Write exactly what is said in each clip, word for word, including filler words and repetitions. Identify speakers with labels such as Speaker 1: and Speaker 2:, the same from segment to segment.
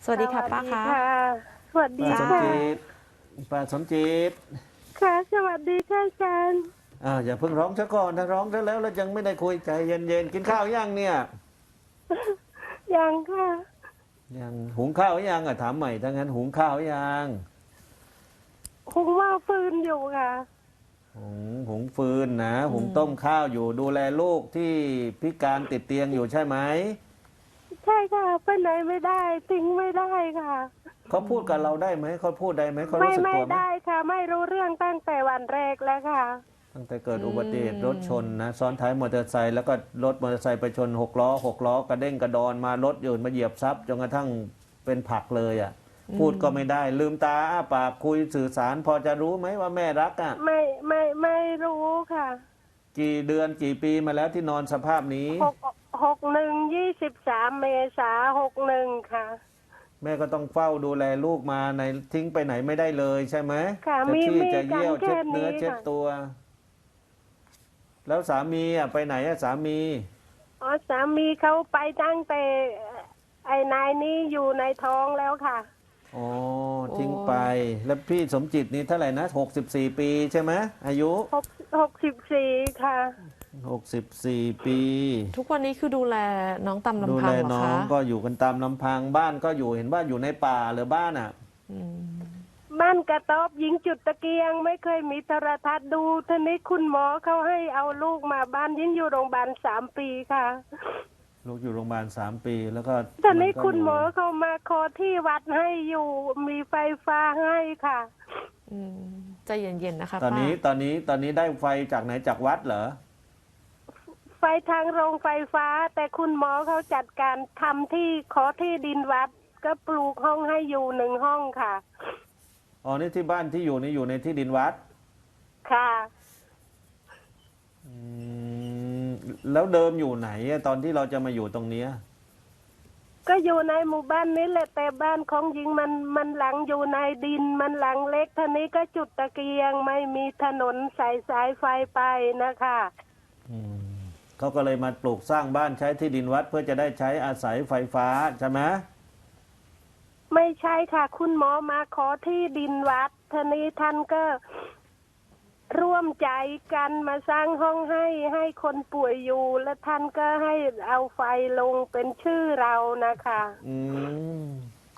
Speaker 1: สวัสดีค่ะป้าคะ
Speaker 2: สวัสดี
Speaker 3: ป้าสม
Speaker 2: ค่ะ
Speaker 3: จิตป้าสมจิต
Speaker 2: ค่ะสวัสดีค่ะอาจารย์
Speaker 3: อ่าวอย่าเพิ่งร้องซะก่อนถ้าร้องซะแล้วแล้วยังไม่ได้คุยใจเย็นๆกินข้าวยังเนี่ย
Speaker 2: ยังค่ะ
Speaker 3: ยังหุงข้าวยังอ่ะถามใหม่ถ้างั้นหุงข้าวยัง
Speaker 2: คงว่าฟืนอยู่ค่ะ
Speaker 3: หุงหุงฟืนนะ
Speaker 1: อื
Speaker 3: หุงต้ม
Speaker 1: ม
Speaker 3: ข้าวอยู่ดูแลลูกที่พิการติดเตียงอยู่ใช่ไหม
Speaker 2: ใช่ค่ะไปไหนไม่ได้ทิ้งไม่ได้ค่ะ
Speaker 3: เขาพูดกับเราได้ไหมเขาพูดได้ไหมเขา
Speaker 2: ไม่
Speaker 3: รู้สึก
Speaker 2: ไม่
Speaker 3: ตัวไหม
Speaker 2: ได้ค่ะ ไม่รู้เรื่องตั้งแต่วันแรกแล้วค่ะ
Speaker 3: ตั้งแต่เกิดอุบัติเหตุรถชนนะซ้อนท้ายมอเตอร์ไซค์แล้วก็รถมอเตอร์ไซค์ไปชนหกล้อหกล้อกระเด้งกระดอนมารถอื่นมาเหยียบซับจนกระทั่งเป็นผักเลยอ่ะพูดก็ไม่ได้ลืมตาอ้าปากคุยสื่อสารพอจะรู้ไหมว่าแม่รักอ่ะ
Speaker 2: ไม่ไม่ไม่รู้ค่ะ
Speaker 3: กี่เดือนกี่ปีมาแล้วที่นอนสภาพนี้
Speaker 2: หกหกหนึ่งยี่สิบสามเมษาหกหนึ่งค่ะ
Speaker 3: แม่ก็ต้องเฝ้าดูแลลูกมาในทิ้งไปไหนไม่ได้เลยใช่ไหม
Speaker 2: ค่ะ
Speaker 3: จะ
Speaker 2: มี
Speaker 3: ขี้
Speaker 2: มี
Speaker 3: จะ
Speaker 2: กัน
Speaker 3: เยี่ยว
Speaker 2: แค่
Speaker 3: เช็ดเนื้อ
Speaker 2: นี้
Speaker 3: เช็ด
Speaker 2: ค่ะ
Speaker 3: ตัว แล้วสามีอ่ะไปไหนอ่ะสามี
Speaker 2: อ๋อสามีเขาไปตั้งแต่ไอ้นายนี้อยู่ในท้องแล้วค่ะ
Speaker 3: อ๋อทิ้งไปแล้วพี่สมจิตนี่เท่าไหร่นะหกสิบสี่ปีใช่ไหมอายุ
Speaker 2: หกหกสิบสี่ค่ะ
Speaker 3: หกสิบสี่ปี
Speaker 1: ทุกวันนี้คือดูแลน้องตาม
Speaker 3: ดู
Speaker 1: ลำพั
Speaker 3: แล
Speaker 1: งเหรอ
Speaker 3: น้อ
Speaker 1: คะ
Speaker 3: งก็อยู่กันตามลำพังบ้านก็อยู่เห็นว่าอยู่ในป่าหรือบ้านอ่ะ
Speaker 1: อืม
Speaker 2: บ้านกระต๊อบยิงจุดตะเกียงไม่เคยมีโทรทัศน์ดูทีนี้คุณหมอเขาให้เอาลูกมาบ้านยิงอยู่โรงพยาบาลสามปีค่ะ
Speaker 3: ลูกอยู่โรงพยาบาลสามปีแล้วก็
Speaker 2: ทีนี้
Speaker 3: ก็
Speaker 2: คุณหมอเขามาขอที่วัดให้อยู่มีไฟฟ้าให้ค่ะ
Speaker 1: อืมใจเย็นๆนะคะ
Speaker 3: ตอนนี้
Speaker 1: ป้า
Speaker 3: ตอนนี้ตอนนี้ได้ไฟจากไหนจากวัดเหรอ
Speaker 2: ไฟทางโรงไฟฟ้าแต่คุณหมอเขาจัดการทำที่ขอที่ดินวัดก็ปลูกห้องให้อยู่หนึ่งห้องค่ะ
Speaker 3: อ๋อนี่ที่บ้านที่อยู่นี่อยู่ในที่ดินวัด
Speaker 2: ค่ะ
Speaker 3: อืมแล้วเดิมอยู่ไหนอะตอนที่เราจะมาอยู่ตรงเนี้ย
Speaker 2: ก็อยู่ในหมู่บ้านนี้แหละแต่บ้านของหญิงมันมันหลังอยู่ในดินมันหลังเล็กท่านี้ก็จุดตะเกียงไม่มีถนนสายสายไฟไปนะคะ
Speaker 3: อืมเขาก็เลยมาปลูกสร้างบ้านใช้ที่ดินวัดเพื่อจะได้ใช้อาศัยไฟฟ้าใช่ไหม
Speaker 2: ไม่ใช่ค่ะคุณหมอมาขอที่ดินวัดท่านี้ท่านก็ร่วมใจกันมาสร้างห้องให้ให้คนป่วยอยู่และท่านก็ให้เอาไฟลงเป็นชื่อเรานะคะ
Speaker 3: อืม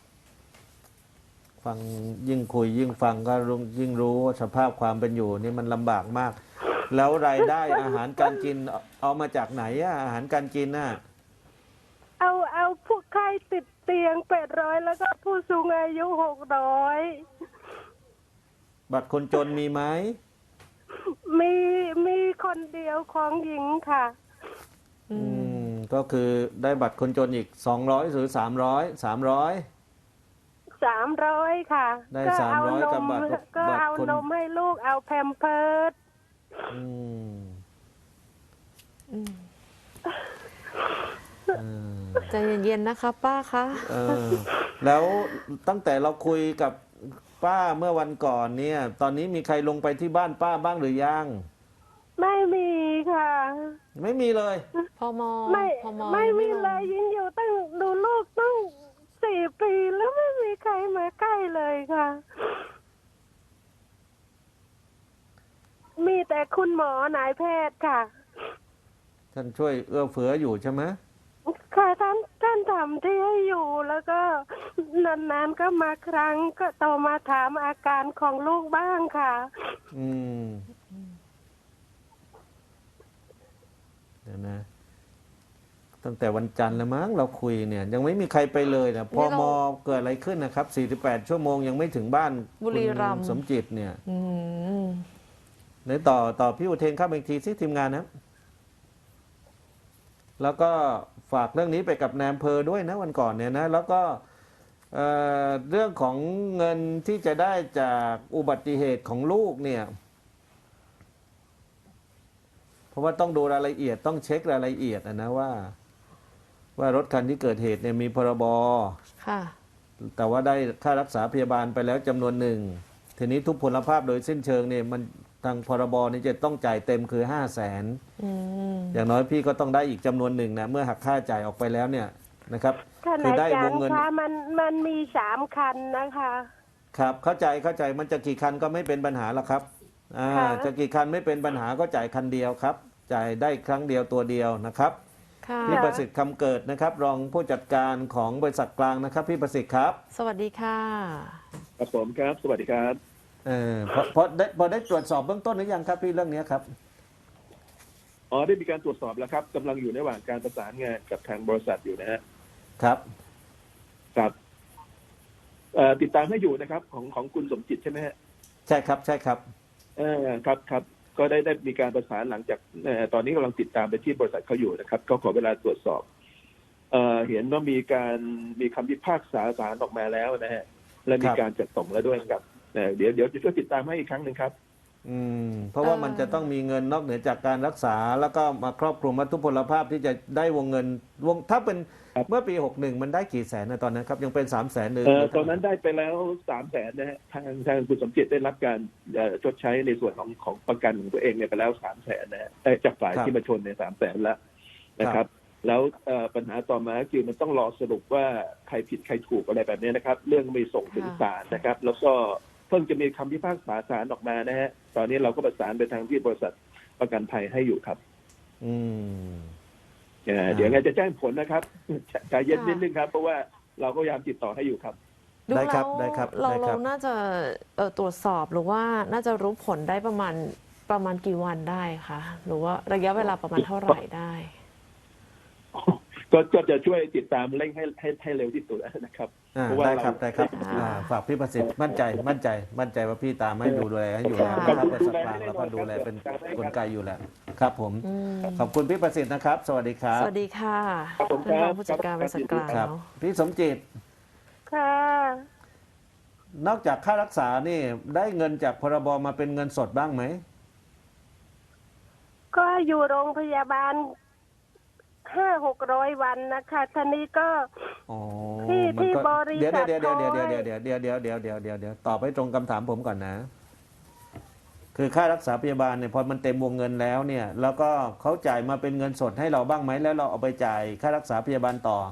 Speaker 3: ฟังยิ่งคุยยิ่งฟังก็รู้ยิ่งรู้ว่าสภาพความเป็นอยู่นี่มันลำบากมาก แล้วรายได้อาหารการกินเอาเอามาจากไหนอะอาหารการกินน่ะ
Speaker 2: เอาเอาผู้ไข้ติดเตียงแปดร้อยแล้วก็ผู้สูงอายุหกร้อย
Speaker 3: บัตรคนจนมีไหม
Speaker 2: มีมีคนเดียวของหญิงค่ะ
Speaker 1: อื
Speaker 3: อื
Speaker 1: ม
Speaker 3: มก็คือได้บัตรคนจนอีกสองร้อยหรือสามร้อยสามร้อย
Speaker 2: สามร้อยค่ะ
Speaker 3: ได้
Speaker 2: ก็เอา
Speaker 3: สามร้อย
Speaker 2: น
Speaker 3: กับ
Speaker 2: ม
Speaker 3: บัตร
Speaker 2: ก็
Speaker 3: บัตร
Speaker 2: เอา
Speaker 3: คน
Speaker 2: นมให้ลูกเอาแพมเพิร์ส
Speaker 3: อืม
Speaker 1: อืม
Speaker 3: เออ
Speaker 1: ใจเย็นๆนะคะป้าคะ
Speaker 3: เออแล้วตั้งแต่เราคุยกับป้าเมื่อวันก่อนเนี่ย ตอนนี้มีใครลงไปที่บ้านป้าบ้างหรือยัง
Speaker 2: ไม่มีค่ะ
Speaker 3: ไม่มีเลย
Speaker 1: พอมอ
Speaker 2: ไม่
Speaker 1: พอมอ
Speaker 2: ไม่
Speaker 1: ยัง
Speaker 2: มี
Speaker 1: ลง
Speaker 2: เลยยิงอยู่ตั้งดูลูกตั้งสี่ปีแล้วไม่มีใครมาใกล้เลยค่ะ มีแต่คุณหมอนายแพทย์ค่ะ
Speaker 3: ท่านช่วยเอื้อเฟื้ออยู่ใช่ไหม
Speaker 2: ค่ะท่านท่านทำที่ให้อยู่แล้วก็นานๆก็มาครั้งก็โทรมาถามอาการของลูกบ้างค่ะ
Speaker 3: อืมเดี๋ยวนะ ตั้งแต่วันจันทร์แล้วมั้งเราคุยเนี่ย ยังไม่มีใครไปเลยนะพอมอเกิดอะไรขึ้นนะครับสี่สิบแปดชั่วโมงยังไม่ถึงบ้าน
Speaker 1: บุรีรัม
Speaker 3: คุณ
Speaker 1: ย์
Speaker 3: สมจิตเนี่ย
Speaker 1: อืม
Speaker 3: ไหนต่อต่อพี่อุเทนเข้าไปอีกทีซิทีมงานนะ แล้วก็ฝากเรื่องนี้ไปกับนายอำเภอด้วยนะวันก่อนเนี่ยนะ แล้วก็เอ่อเรื่องของเงินที่จะได้จากอุบัติเหตุของลูกเนี่ย เพราะว่าต้องดูรายละเอียดต้องเช็ครายละเอียดนะนะว่า ว่ารถคันที่เกิดเหตุเนี่ยมีพรบ
Speaker 1: ค่ะ
Speaker 3: แต่ว่าได้ค่ารักษาพยาบาลไปแล้วจำนวนหนึ่ง ทีนี้ทุพพลภาพโดยสิ้นเชิงเนี่ยมันทางพรบนี่จะต้องจ่ายเต็มคือห้าแสน
Speaker 1: อืม
Speaker 3: อย่างน้อยพี่ก็ต้องได้อีกจำนวนหนึ่งนะเมื่อหักค่าจ่ายออกไปแล้วเนี่ยนะครับ
Speaker 2: ท่าน
Speaker 3: คือ
Speaker 2: อา
Speaker 3: ได้
Speaker 2: จาร
Speaker 3: วง
Speaker 2: ย์
Speaker 3: เงิน
Speaker 2: คะมันมันมีสามคันนะคะ
Speaker 3: ครับเข้าใจเข้าใจมันจะกี่คันก็ไม่เป็นปัญหาหรอกครับอ่า
Speaker 2: ค่ะ
Speaker 3: จะกี่คันไม่เป็นปัญหาก็จ่ายคันเดียวครับจ่ายได้ครั้งเดียวตัวเดียวนะครับ
Speaker 1: ค่ะ
Speaker 3: พี่ประสิทธิ์คำเกิดนะครับ รองผู้จัดการของบริษัทกลางนะครับ พี่ประสิทธิ์ครับ
Speaker 1: สวัสดีค่ะ
Speaker 4: ครับผมครับ สวัสดีครับ
Speaker 3: เออพอพอได้พอได้ตรวจสอบเบื้องต้นหรือยังครับพี่เรื่องนี้ครับ
Speaker 4: อ๋อได้มีการตรวจสอบแล้วครับกำลังอยู่ในระหว่างการประสานงานกับทางบริษัทอยู่นะฮะ
Speaker 3: ครับ
Speaker 4: ครับเอ่อติดตามให้อยู่นะครับ ของของคุณสมจิตใช่ไหมฮะ
Speaker 3: ใช่ครับใช่ครับ
Speaker 4: เออครับครับก็ได้ได้มีการประสานหลังจากเอ่อตอนนี้กำลังติดตามไปที่บริษัทเขาอยู่นะครับก็ขอเวลาตรวจสอบเอ่อเห็นว่ามีการมีคำพิพากษาศาลออกมาแล้วนะฮะและมีการจัดส่งแล้วด้วยครับเอ่อเดี๋ยวเดี๋ยวจะช่วยติดตามให้อีกครั้งหนึ่งครับ
Speaker 3: อืมเพราะว่า
Speaker 1: เอ่อ
Speaker 3: มันจะต้องมีเงินนอกเหนือจากการรักษา แล้วก็มาครอบคลุมวัตถุพลภาพที่จะได้วงเงินวงถ้าเป็น
Speaker 4: ครับ
Speaker 3: เมื่อปีหกสิบเอ็ดมันได้กี่แสนนะตอนนั้นครับยังเป็นสามแสนหรือ
Speaker 4: เอ่อตอนนั้นได้ไปแล้วสามแสนนะฮะทางทางคุณสมจิตได้รับการเอ่อชดใช้ในส่วนของของประกันของตัวเองเนี่ยไปแล้วสามแสนนะฮะได้จากฝ่ายที่มาชนในสามแสนแล้วนะครับ แล้วเอ่อปัญหาต่อมาคือมันต้องรอสรุปว่าใครผิดใครถูกอะไรแบบนี้นะครับ เรื่องไม่ส่งถึงศาลนะครับ แล้วก็เพิ่งจะมีคำพิพากษาศาลออกมานะฮะตอนนี้เราก็ประสานไปทางที่บริษัทประกันภัยให้อยู่ครับ
Speaker 3: อืม
Speaker 4: เอ่อ
Speaker 3: อ่า
Speaker 4: เดี๋ยวไงจะแจ้งผลนะครับใจเย็น
Speaker 1: ค่ะ
Speaker 4: นิดนึงครับ เพราะว่าเราก็พยายามติดต่อให้อยู่ครับ
Speaker 1: ดู
Speaker 3: ได้ครับ
Speaker 1: แล้ว
Speaker 3: ได้ครับ
Speaker 1: เรา
Speaker 3: ได้ค
Speaker 1: เรา
Speaker 3: รับ
Speaker 1: น่าจะเอ่อตรวจสอบหรือว่าน่าจะรู้ผลได้ประมาณประมาณกี่วันได้คะหรือว่าระยะเวลาประมาณเท่าไหร่ได้
Speaker 4: ก็ก็จะช่วยติดตามเร่งให้ให้ให้เร็วที่สุดนะครับ
Speaker 3: อ่า
Speaker 4: เพราะว่า
Speaker 3: ได้
Speaker 4: เรา
Speaker 3: ครับได้ครับ
Speaker 1: อ่า
Speaker 3: อ่าฝากพี่ประสิทธิ์มั่นใจมั่นใจมั่นใจว่าพี่ตามให้ดูแลให้อยู่แล้ว
Speaker 1: ค่ะ
Speaker 3: นะครับบริษัทกลางเราก็ดูแลเป็นกลไกอยู่แล้วครับผม
Speaker 1: อืม
Speaker 3: ขอบคุณพี่ประสิทธิ์นะครับ สวัสดีครับ
Speaker 1: สวัสดีค่ะ
Speaker 4: ครับผม
Speaker 1: ท่านรอง
Speaker 4: ครับ
Speaker 1: ผู้จัดการบริษัทกลาง
Speaker 3: ครับ
Speaker 1: เนาะ
Speaker 3: พี่สมจิต
Speaker 2: ค่ะ
Speaker 3: นอกจากค่ารักษานี่ได้เงินจากพรบมาเป็นเงินสดบ้างไหม
Speaker 2: ก็อยู่โรงพยาบาลห้าหกร้อยวันนะคะท่านี้ก็
Speaker 3: อ๋อ
Speaker 2: ที่
Speaker 3: มัน
Speaker 2: ที่
Speaker 3: ก็
Speaker 2: บริ
Speaker 3: เดี๋ยว
Speaker 2: ษัท
Speaker 3: เดี๋ยวเดี๋ยวเดี๋ยว
Speaker 2: เขาให้
Speaker 3: เดี๋ยวเดี๋ยวเดี๋ยวเดี๋ยวเดี๋ยวเดี๋ยวเดี๋ยวเดี๋ยวตอบให้ตรงคำถามผมก่อนนะ คือค่ารักษาพยาบาลเนี่ยพอมันเต็มวงเงินแล้วเนี่ย แล้วก็เขาจ่ายมาเป็นเงินสดให้เราบ้างไหมแล้วเราเอาไปจ่ายค่ารักษาพยาบาลต่อ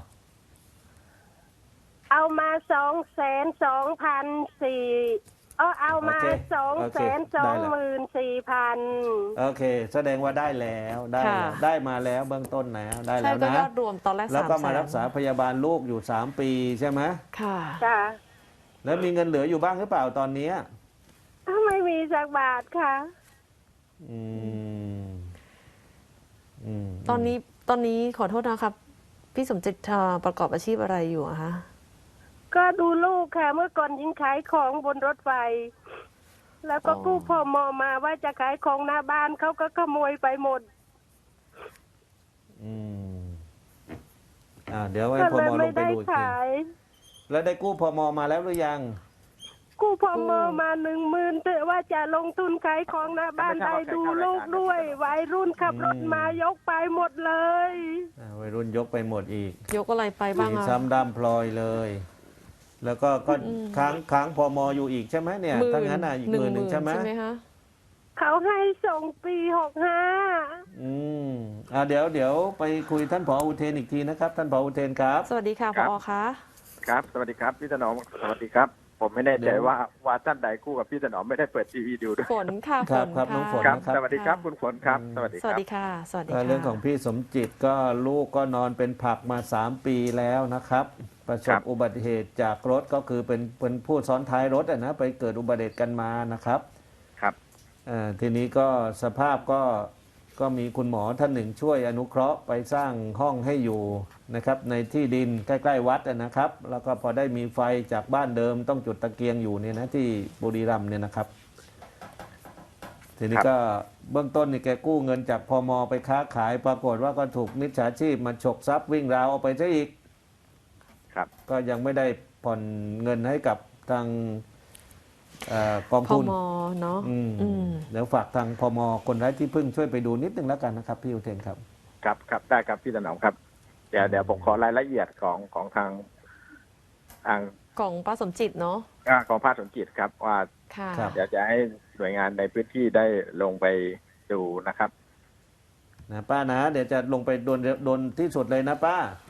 Speaker 2: เอามาสองแสนสองพันสี่เออเอามา
Speaker 3: โอเค
Speaker 2: สอง
Speaker 3: โอ
Speaker 2: แส
Speaker 3: เคน
Speaker 2: ส
Speaker 3: ได้
Speaker 2: อง
Speaker 3: ละ
Speaker 2: หมื่นสี่พัน
Speaker 3: โอเค แสดงว่าได้แล้วได้
Speaker 1: ค่ะ
Speaker 3: แล้วได้มาแล้วเบื้องต้นแล้วได้
Speaker 1: ใช่
Speaker 3: แล้ว
Speaker 1: ก็
Speaker 3: นะ
Speaker 1: ยอดรวมตอนแรก
Speaker 3: แล้ว
Speaker 1: สาม
Speaker 3: ก็
Speaker 1: แส
Speaker 3: มาน รักษาพยาบาลลูกอยู่สามปีใช่ไหม
Speaker 1: ค่ะ
Speaker 2: ค่ะ
Speaker 3: แล้วมีเงินเหลืออยู่บ้างหรือเปล่าตอนเนี้ย
Speaker 2: ไม่มีสักบาทค่ะ
Speaker 3: อืมอืม
Speaker 1: ตอนนี้ตอนนี้ขอโทษนะครับ พี่สมจิตเอ่อประกอบอาชีพอะไรอยู่อะคะ
Speaker 2: ก็ดูลูกค่ะ เมื่อก่อนยิงขายของบนรถไฟ แล้วก็กู้พมมาว่าจะขายของหน้าบ้านเขาก็ขโมยไปหมด
Speaker 3: อืมอ่าเดี๋ยวให้
Speaker 2: ก็
Speaker 3: พ
Speaker 2: เลย
Speaker 3: มล
Speaker 2: ไม่
Speaker 3: งไป
Speaker 2: ได้
Speaker 3: ดูอีกที
Speaker 2: ขาย
Speaker 3: แล้วได้กู้พมมาแล้วหรือยัง
Speaker 2: กู้พมมาหนึ่งหมื่นแต่ว่าจะลงทุนขายของหน้าบ้านได้ดูลูกด้วยวัยรุ่นขับรถมายกไปหมดเลย
Speaker 3: อ่าวัยรุ่นยกไปหมดอีก
Speaker 1: ยกอะไรไปบ้าง
Speaker 3: มี
Speaker 1: อะ
Speaker 3: ซ้ำด้ามพลอยเลย แล้วก็ก็
Speaker 1: อืม
Speaker 3: ค้างค้างพมอยู่อีกใช่ไหมเนี่ย
Speaker 1: หมื่
Speaker 3: ถ้างั้นอ่ะอีก
Speaker 1: ห
Speaker 3: ห
Speaker 1: นึ่ง
Speaker 3: มื่น
Speaker 1: ห
Speaker 3: หนึ่
Speaker 1: มื่
Speaker 3: ง
Speaker 1: น
Speaker 3: ใช่ไหม
Speaker 1: ใช่ไหมคะ
Speaker 2: เขาให้ส่งปีหกห้า
Speaker 3: อืมอ่าเดี๋ยวเดี๋ยวไปคุยท่านผออุเทนอีกทีนะครับ ท่านผออุเทนครับ
Speaker 1: สวัสดีค่ะ
Speaker 5: ค
Speaker 1: พ
Speaker 5: รับ
Speaker 1: อคะ
Speaker 5: ครับ สวัสดีครับ พี่ถนอม สวัสดีครับ ผมไม่แน่
Speaker 3: เดี๋
Speaker 5: ใจ
Speaker 3: ยว
Speaker 5: ว่าว่าท่านใดคู่กับพี่ถนอมไม่ได้เปิดทีวีดูด้วย
Speaker 1: ฝนค่ะ
Speaker 3: ค
Speaker 1: ฝ
Speaker 3: รับ
Speaker 1: น
Speaker 3: ครับน้
Speaker 1: ค่ะ
Speaker 3: องฝน
Speaker 5: ครับ
Speaker 3: นะครับ
Speaker 5: สวัสดีครับ คุณฝนครับ สวัสดี
Speaker 1: ส
Speaker 5: ค
Speaker 1: วัส
Speaker 5: รับ
Speaker 1: ดีค่ะ สวัสดี
Speaker 3: ก็
Speaker 1: ค่ะ
Speaker 3: เรื่องของพี่สมจิตก็ลูกก็นอนเป็นผักมาสามปีแล้วนะครับ ประส
Speaker 5: ครับ บ
Speaker 3: อุบัติเหตุจากรถก็คือเป็นเป็นผู้ซ้อนท้ายรถอะนะไปเกิดอุบัติเหตุกันมานะครับ
Speaker 5: ครับ
Speaker 3: เอ่อทีนี้ก็สภาพก็ก็มีคุณหมอท่านหนึ่งช่วยอนุเคราะห์ไปสร้างห้องให้อยู่นะครับในที่ดินใกล้ๆวัดอะนะครับ แล้วก็พอได้มีไฟจากบ้านเดิมต้องจุดตะเกียงอยู่เนี่ยนะที่บุรีรัมย์เนี่ยนะครับ ทีนี้
Speaker 5: ครับ
Speaker 3: ก็เบื้องต้นนี่แกกู้เงินจากพมไปค้าขายปรากฏว่าก็ถูกมิจฉาชีพมาฉกทรัพย์วิ่งราวเอาไปซะอีก
Speaker 5: ครับ
Speaker 3: ก็ยังไม่ได้ผ่อนเงินให้กับทางเอ่อกอง
Speaker 1: พ
Speaker 3: ทุน
Speaker 1: มเนาะ
Speaker 3: อืม
Speaker 1: อืม
Speaker 3: เดี๋ยวฝากทางพมคนไร้ที่พึ่งช่วยไปดูนิดนึงแล้วกันนะครับ พี่อุเทนครับ
Speaker 5: ครับครับได้ครับพี่ถนอมครับ เดี๋ยวเดี๋ยวผมขอรายละเอียดของของทางทาง
Speaker 1: ของป้าสมจิตเนาะ
Speaker 5: อ่าของภาคสนจิตครับ ว่า
Speaker 1: ค่ะ
Speaker 3: ครับ
Speaker 5: เดี๋ยวจะให้หน่วยงานในพื้นที่ได้ลงไปดูนะครับ
Speaker 3: นะป้านะ เดี๋ยวจะลงไปโดนโดนที่สุดเลยนะป้า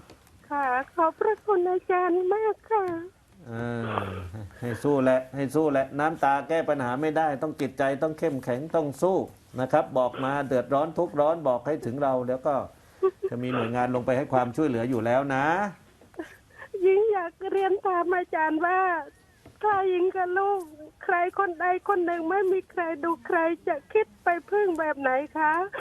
Speaker 2: ค่ะ ขอบพระคุณอาจารย์มากค่ะ
Speaker 3: อ่าให้สู้แหละให้สู้แหละน้ำตาแก้ปัญหาไม่ได้ ต้องจิตใจต้องเข้มแข็งต้องสู้นะครับ บอกมาเดือดร้อนทุกข์ร้อนบอกให้ถึงเราแล้วก็จะมีหน่วยงานลงไปให้ความช่วยเหลืออยู่แล้วนะ
Speaker 2: ยิ่งอยากเรียนถามอาจารย์ว่า ถ้ายิงกับลูก ใครคนใดคนหนึ่งไม่มีใครดูใครจะคิดไปพึ่งแบบไหนคะ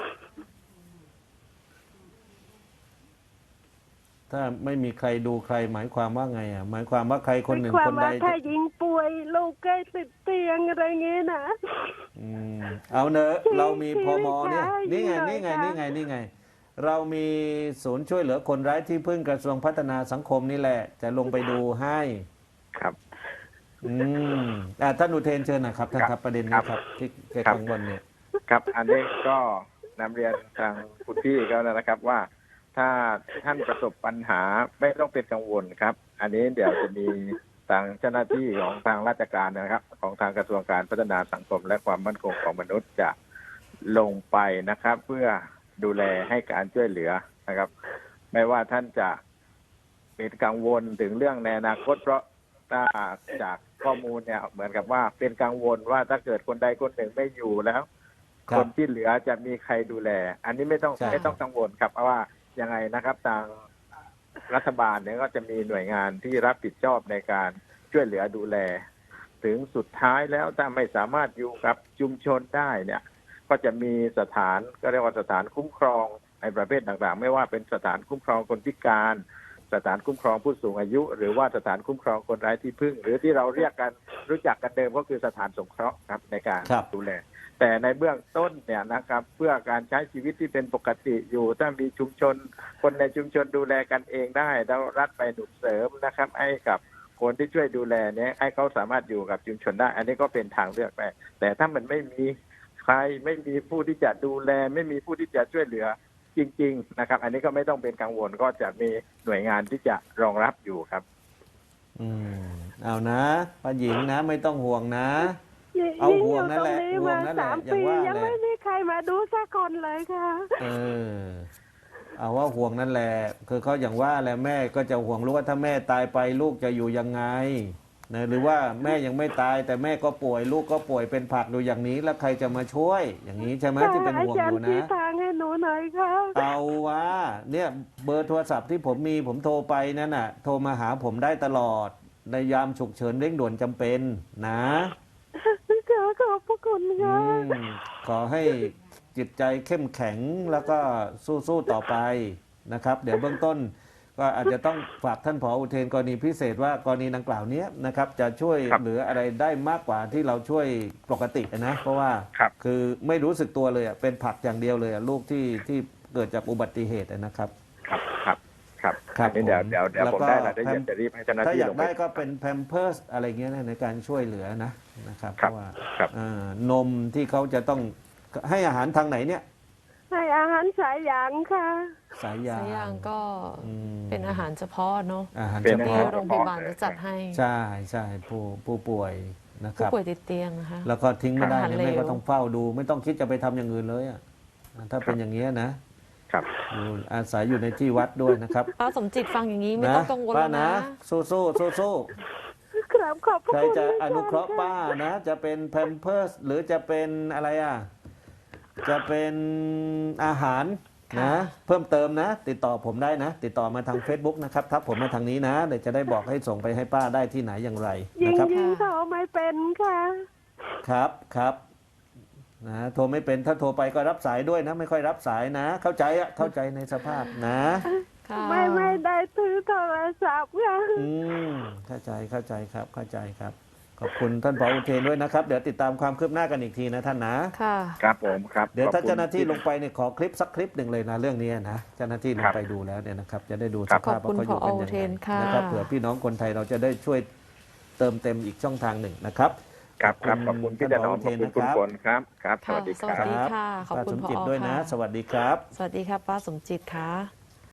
Speaker 3: ถ้าไม่มีใครดูใครหมายความว่าไงอ่ะหมายความว่าใครคนหนึ่ง
Speaker 2: ความ
Speaker 3: คนใด
Speaker 2: ว่าถ้า
Speaker 3: จะ
Speaker 2: ยิงป่วยลูกใกล้ติดเตียงอะไรเงี้ยนะ
Speaker 3: อืมเอาเนอะเรามีพมเนี่ย
Speaker 2: ชีวิ
Speaker 3: นี่
Speaker 2: ต
Speaker 3: ไง
Speaker 2: หน่อย
Speaker 3: นี่ไง
Speaker 2: ค่ะ
Speaker 3: นี่ไงนี่ไง เรามีศูนย์ช่วยเหลือคนไร้ที่พึ่งกระทรวงพัฒนาสังคมนี่แหละ จะลงไปดูให้
Speaker 5: ครับ
Speaker 3: อืมอ่าท่านอุเทนเชิญนะครับท่านครับประเด็นนี้ครับที่แก
Speaker 5: ครับ
Speaker 3: กังวลเนี่ย
Speaker 5: ครับ อันนี้ก็นำเรียนทางคุณพี่ก็แล้วนะครับว่า ถ้าท่านประสบปัญหาไม่ต้องเป็นกังวลครับ อันนี้เดี๋ยวจะมีทางเจ้าหน้าที่ของทางราชการนะครับ ของทางกระทรวงการพัฒนาสังคมและความมั่นคงของมนุษย์จะลงไปนะครับ เพื่อดูแลให้การช่วยเหลือนะครับ ไม่ว่าท่านจะเป็นกังวลถึงเรื่องในอนาคตเพราะถ้าจากข้อมูลเนี่ยเหมือนกับว่าเป็นกังวลว่าถ้าเกิดคนใดคนหนึ่งไม่อยู่แล้ว
Speaker 3: ครั
Speaker 5: ค
Speaker 3: บ
Speaker 5: นที่เหลือจะมีใครดูแล อันนี้ไม่ต้อง
Speaker 3: ใช่
Speaker 5: ไม่ต้องกังวลครับเพราะว่ายังไงนะครับทางรัฐบาลเนี่ยก็จะมีหน่วยงานที่รับผิดชอบในการช่วยเหลือดูแล ถึงสุดท้ายแล้วถ้าไม่สามารถอยู่กับชุมชนได้เนี่ย ก็จะมีสถานก็เรียกว่าสถานคุ้มครองในประเภทต่างๆ ไม่ว่าเป็นสถานคุ้มครองคนพิการ สถานคุ้มครองผู้สูงอายุ หรือว่าสถานคุ้มครองคนไร้ที่พึ่ง หรือที่เราเรียกกันรู้จักกันเดิมก็คือสถานสงเคราะห์ครับในการ
Speaker 3: ครับ
Speaker 5: ดูแล แต่ในเบื้องต้นเนี่ยนะครับ เพื่อการใช้ชีวิตที่เป็นปกติอยู่ถ้ามีชุมชน คนในชุมชนดูแลกันเองได้แล้วรัฐไปหนุนเสริมนะครับ ให้กับคนที่ช่วยดูแลเนี่ยให้เขาสามารถอยู่กับชุมชนได้ อันนี้ก็เป็นทางเลือกไปแต่ถ้ามันไม่มีใครไม่มีผู้ที่จะดูแล ไม่มีผู้ที่จะช่วยเหลือจริง ๆ นะครับ อันนี้ก็ไม่ต้องเป็นกังวลก็จะมีหน่วยงานที่จะรองรับอยู่ครับ
Speaker 3: อืมเอานะป้าหญิงนะไม่ต้องห่วงนะ
Speaker 2: ยิ่ง
Speaker 3: เอา
Speaker 2: ยิ่ง
Speaker 3: ห่
Speaker 2: อ
Speaker 3: วง
Speaker 2: ยู่
Speaker 3: นั่
Speaker 2: ต
Speaker 3: น
Speaker 2: ร
Speaker 3: แห
Speaker 2: ง
Speaker 3: ละ
Speaker 2: นี้
Speaker 3: ห่วง
Speaker 2: มา
Speaker 3: นั่นแหละ
Speaker 2: สาม
Speaker 3: อย่าง
Speaker 2: ปี
Speaker 3: ว่า
Speaker 2: ยัง
Speaker 3: แหละ
Speaker 2: ไม่มีใครมาดูสักคนเลยค่ะ
Speaker 3: เออเอาว่าห่วงนั่นแหละคือเขาอย่างว่าแหละแม่ก็จะห่วงรู้ว่าถ้าแม่ตายไปลูกจะอยู่ยังไงนะหรือว่าแม่ยังไม่ตายแต่แม่ก็ป่วยลูกก็ป่วยเป็นผักดูอย่างนี้แล้วใครจะมาช่วย อย่างนี้ใช่ไหมที่เป็นห่วง
Speaker 2: อา
Speaker 3: อ
Speaker 2: จาร
Speaker 3: ยู่
Speaker 2: ย์
Speaker 3: นะ
Speaker 2: ชี้ทางให้หนูหน่อยค่ะ
Speaker 3: เอาว่าเนี่ยเบอร์โทรศัพท์ที่ผมมีผมโทรไปนั่นน่ะโทรมาหาผมได้ตลอดในยามฉุกเฉินเร่งด่วนจำเป็นนะ
Speaker 2: ค่ะขอบพระคุณ
Speaker 3: อื
Speaker 2: ค่ะ
Speaker 3: มขอให้จิตใจเข้มแข็งแล้วก็สู้ๆต่อไปนะครับ เดี๋ยวเบื้องต้น ก็อาจจะต้องฝากท่านผออุเทนกรณีพิเศษว่ากรณีดังกล่าวเนี้ยนะครับ จะช่วย
Speaker 5: ครับ
Speaker 3: เหลืออะไรได้มากกว่าที่เราช่วยปกตินะ เพราะว่า
Speaker 5: ครับ
Speaker 3: คือไม่รู้สึกตัวเลยอะเป็นผักอย่างเดียวเลยอะลูกที่ที่เกิดจากอุบัติเหตุนะครับ
Speaker 5: ครับครับครับ
Speaker 3: ครับ
Speaker 5: อันนี้เดี๋ยว
Speaker 3: ผม
Speaker 5: เดี๋ยวเดี๋ยว
Speaker 3: แล้ว
Speaker 5: ผม
Speaker 3: ก็
Speaker 5: ได้รายละเอียด
Speaker 3: แพม
Speaker 5: จะรีบให้เจ้าหน้า
Speaker 3: ถ้า
Speaker 5: ที่
Speaker 3: อยา
Speaker 5: ล
Speaker 3: ก
Speaker 5: งไป
Speaker 3: ได้ก็เป็นแพมเพิร์สอะไรเงี้ยนะในการช่วยเหลือนะนะครับเพ
Speaker 5: ครับ
Speaker 3: ราะว่า
Speaker 5: ครับ
Speaker 3: อ่านมที่เขาจะต้องให้อาหารทางไหนเนี่ย
Speaker 2: ให้อาหารสายหยางค่ะ
Speaker 3: สายยา
Speaker 1: สายยางก็
Speaker 3: อืม
Speaker 1: เป็นอาหารเฉพาะเนาะ
Speaker 3: อาหาร
Speaker 5: เป็น
Speaker 3: เฉ
Speaker 1: ที่
Speaker 3: พาะ
Speaker 1: โรงพยาบาลจะจัดให้
Speaker 3: ใช่ใช่ผู้ผู้ป่วยนะค
Speaker 1: ผู้
Speaker 3: รับ
Speaker 1: ป่วยติดเตียงนะคะ
Speaker 3: แล้วก็ทิ้งไม่ได้
Speaker 1: อาหาร
Speaker 3: เนี่ย
Speaker 1: เหลว
Speaker 3: แม่ก็ต้องเฝ้าดู ไม่ต้องคิดจะไปทำอย่างอื่นเลยอ่ะถ้าเป็นอย่างเงี้ยนะครับ อยู่อาศัยอยู่ในที่วัดด้วยนะครับ
Speaker 1: ป้าสมจิตฟังอย่างนี้ไม่
Speaker 3: นะ
Speaker 1: ต้องกังวล
Speaker 3: ป้า
Speaker 1: แล้ว
Speaker 3: นะ
Speaker 1: นะ
Speaker 3: สู้สู้สู้สู้
Speaker 2: ครับขอบพระ
Speaker 3: ใคร
Speaker 2: คุณ
Speaker 3: จะ
Speaker 2: อาจารย์
Speaker 3: อนุเคราะห์ป้านะ จะเป็นแพมเพิร์สหรือจะเป็นอะไรอ่ะจะเป็นอาหารนะ เพิ่มเติมนะ ติดต่อผมได้นะ ติดต่อมาทาง Facebook นะครับทักผมมาทางนี้นะเดี๋ยวจะได้บอกให้ส่งไปให้ป้าได้ที่ไหนอย่างไร
Speaker 2: ยิ
Speaker 3: นะ
Speaker 2: ง
Speaker 3: ครับ
Speaker 2: ยิงเขาไม่เป็นค่ะ
Speaker 3: ครับครับนะโทรไม่เป็นถ้าโทรไปก็รับสายด้วยนะ ไม่ค่อยรับสายนะ เข้าใจอะเข้าใจในสภาพนะ
Speaker 1: ค่ะ
Speaker 2: ไม่ไม่ได้ถือโทรศัพท์ค่ะ
Speaker 3: อืมเข้าใจเข้าใจครับเข้าใจครับ ขอบคุณท่านผออุเทนด้วยนะครับ เดี๋ยวติดตามความคืบหน้ากันอีกทีนะท่านนะ
Speaker 1: ค่ะ
Speaker 5: ครับผมครับ
Speaker 3: เดี๋ยวถ้า
Speaker 5: ขอบคุณ
Speaker 3: เจ้าหน้าที่ลงไปเนี่ยขอคลิปสักคลิปหนึ่งเลยนะเรื่องนี้นะเจ้าหน้าที่ลงไปดูแล้วเนี่ยนะครับจะได้ดูสภาพว่าเขาอยู่กันยังไงนะครับเผื่อพี่น้องคนไทยเราจะได้ช่วยเติมเต็มอีกช่องทางหนึ่งนะครับ
Speaker 5: ครับครับขอบคุณพี่ถนอมขอบคุณคุณฝนครับครับ ส
Speaker 1: ค่ะ
Speaker 5: วัสดี
Speaker 1: ส
Speaker 5: ค
Speaker 1: วัส
Speaker 5: รับ
Speaker 1: ดีค่ะ ขอบ
Speaker 3: ป้า
Speaker 1: คุ
Speaker 3: ส
Speaker 1: ณ
Speaker 3: ม
Speaker 1: ผอ
Speaker 3: จิตด้วยนะ
Speaker 1: ค่ะ
Speaker 3: สวัสดีครับ
Speaker 1: สวัสดีค่ะป้าสมจิตค่ะ